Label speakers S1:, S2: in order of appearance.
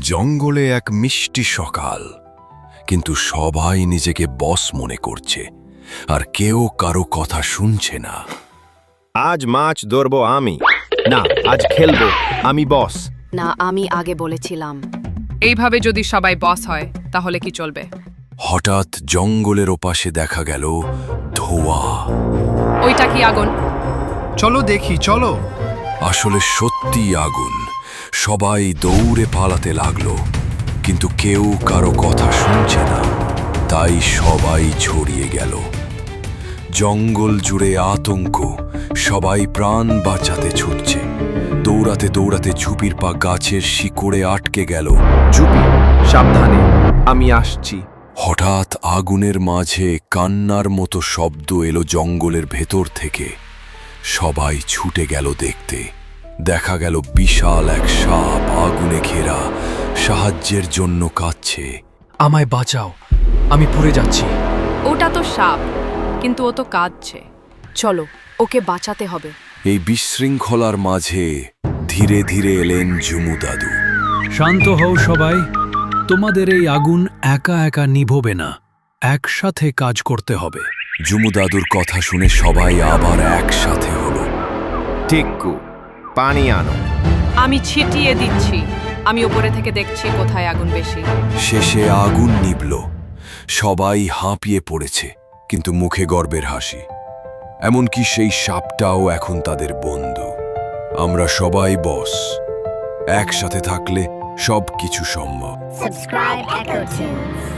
S1: জঙ্গলে এক মিষ্টি সকাল, কিন্তু সবাই নিজেকে বস মনে করছে আর কেউ কারো কথা শুনছে না।
S2: আজ মাছ ধরবো আমি, না আজ খেলবো আমি বস।
S3: না, আমি আগে বলেছিলাম।
S4: এইভাবে যদি সবাই বস হয় তাহলে কি চলবে?
S1: হঠাৎ জঙ্গলের ওপাশে দেখা গেল ধোঁয়া।
S4: ওইটা কি আগুন?
S5: চলো দেখি, চলো।
S1: আসলে সত্যি আগুন। সবাই দৌড়ে পালাতে লাগলো, কিন্তু কেউ কারো কথা শুনছে না, তাই সবাই ছড়িয়ে গেল। জঙ্গল জুড়ে আতঙ্ক, সবাই প্রাণ বাঁচাতে ছুটছে। দৌড়াতে দৌড়াতে ঝুপির পা গাছের শিকড়ে আটকে গেল।
S2: চুপি, সাবধানে, আমি আসছি।
S1: হঠাৎ আগুনের মাঝে কান্নার মতো শব্দ এলো জঙ্গলের ভেতর থেকে। সবাই ছুটে গেল দেখতে। দেখা গেল বিশাল এক সাপ আগুনে ঘেরা, সাহায্যের জন্য কাঁদছে।
S5: আমায় বাঁচাও, আমি পুড়ে যাচ্ছি।
S4: ওটা তো সাপ, কিন্তু ও তো কাঁদছে।
S3: চলো, ওকে বাঁচাতে হবে।
S1: এই বিশৃঙ্খলার মাঝে ধীরে ধীরে এলেন ঝুমু দাদু।
S6: শান্ত হও সবাই, তোমাদের এই আগুন একা একা নিভবে না, একসাথে কাজ করতে হবে।
S1: ঝুমু দাদুর কথা শুনে সবাই আবার একসাথে হলো।
S2: টিক্কু, পানি আনো।
S4: আমি ছিটিয়ে দিচ্ছি। আমি উপরে থেকে দেখছি কোথায় আগুন বেশি।
S1: শেষে আগুন নিভল। সবাই হাঁপিয়ে পড়েছে, কিন্তু মুখে গর্বের হাসি। এমনকি সেই সাপটাও এখন তাদের বন্ধু। আমরা সবাই বস, একসাথে থাকলে সব কিছু সম্ভব।
S7: Subscribe Echo Tunes.